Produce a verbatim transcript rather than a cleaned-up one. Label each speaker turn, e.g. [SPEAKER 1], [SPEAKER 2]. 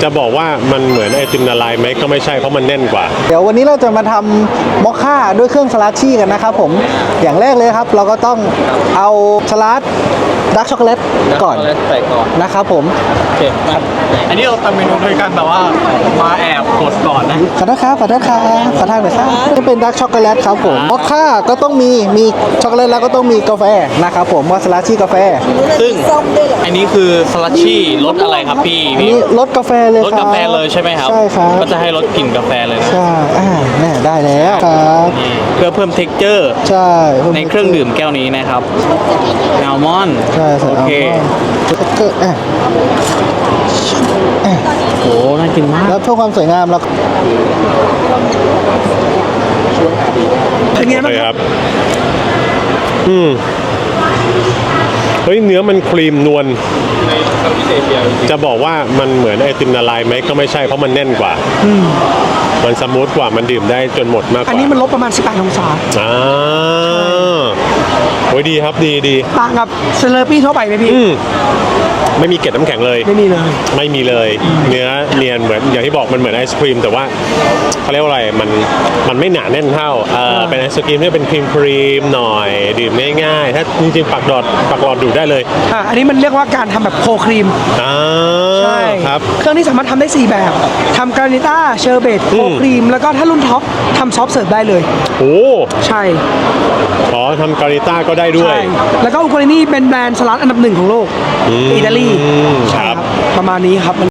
[SPEAKER 1] จะบอกว่ามันเหมือนไอติมละลายไหมก็ไม่ใช่เพราะมันแน่นกว่า
[SPEAKER 2] เดี๋ยววันนี้เราจะมาทำมอคค่าด้วยเครื่องสลัดชี่กันนะครับผมอย่างแรกเลยครับเราก็ต้องเอาสลัดดาร์กช็อกโกแลตก่อน
[SPEAKER 3] ใส่ก่อน
[SPEAKER 2] นะครับผม
[SPEAKER 3] โอเคอันนี้เราทำเมนูด้วยกันแบบว่ามาแอบกดก่อนนะ
[SPEAKER 2] ขอโทษครับขอโทษครับขอทางหน่อยครับจะเป็นดาร์กช็อกโกแลตครับผมมอคค่าก็ต้องมีมีช็อกโกแลตแล้วก็ต้องมีกาแฟนะครับผมว่าสลัดชี่กาแฟ
[SPEAKER 3] ซึ่งอันนี้คือสลัดชี่รสอะไรครับพี่
[SPEAKER 2] อันนี้รสกาแฟเลย
[SPEAKER 3] รสกาแฟเลยใช่ไหมครับ
[SPEAKER 2] ใช่ครับ
[SPEAKER 3] ก็จะให้รสกลิ่นกาแฟเลยนะ
[SPEAKER 2] ใช่อ่าแน่ได้แล้วครับ
[SPEAKER 3] เพื่อเพิ่ม texture
[SPEAKER 2] ใช่
[SPEAKER 3] ในเครื่องดื่มแก้วนี้นะครับแอลมอนด์
[SPEAKER 2] ใช่ใส่อัลมอนด์ก็อ่ะ
[SPEAKER 3] โอ้น่ากินมาก
[SPEAKER 2] แล้วเพื่อความสวยงามเรา
[SPEAKER 1] เป็นไงบ้างครับอืมเฮ้ยเนื้อมันครีมนวลจะบอกว่ามันเหมือนไอติมละลายไหมก็ไม่ใช่เพราะมันแน่นกว่ามันสมูทกว่ามันดื่มได้จนหมดมากกว่า
[SPEAKER 4] อันนี้มันลบประมาณสิบแปดองศา
[SPEAKER 1] อ่าโอ้ยดีครับดีดี
[SPEAKER 4] ต่างกับเซเลอร์ปี้ทั่วไปไหมพี่
[SPEAKER 1] ไม่มีเกล็ดน้ำแข็งเลย
[SPEAKER 4] ไม่มีเลย
[SPEAKER 1] ไม่มีเลยเนื้อเนียนเหมือนอย่างที่บอกมันเหมือนไอศครีมแต่ว่าเขาเรียกว่าอะไรมันมันไม่หนาแน่นเท่าเออเป็นไอศครีมที่เป็นครีมครีมหน่อยดื่มง่ายๆถ้าจริงๆปักดอดปักหลอดดูดได้เลย
[SPEAKER 4] อ่าอันนี้มันเรียกว่าการทำแบบโคครีม
[SPEAKER 1] อ่า
[SPEAKER 4] ใช่
[SPEAKER 1] ครับ
[SPEAKER 4] เครื่องที่สามารถทำได้สี่แบบทำกรานิต้าเชอร์เบตโคครีมแล้วก็ถ้ารุ่นท็อปทำซอฟต์เสิร์ฟได้เลย
[SPEAKER 1] โอ้
[SPEAKER 4] ใช่
[SPEAKER 1] อ๋อทำกรานิต้าก็ได้ด้วย
[SPEAKER 4] แล้วก็อุกรานี่เป็นแบรนด์สลัดอันดับหนึ่งของโลกอิตาลี
[SPEAKER 1] ครับ
[SPEAKER 4] ประมาณนี้ครับ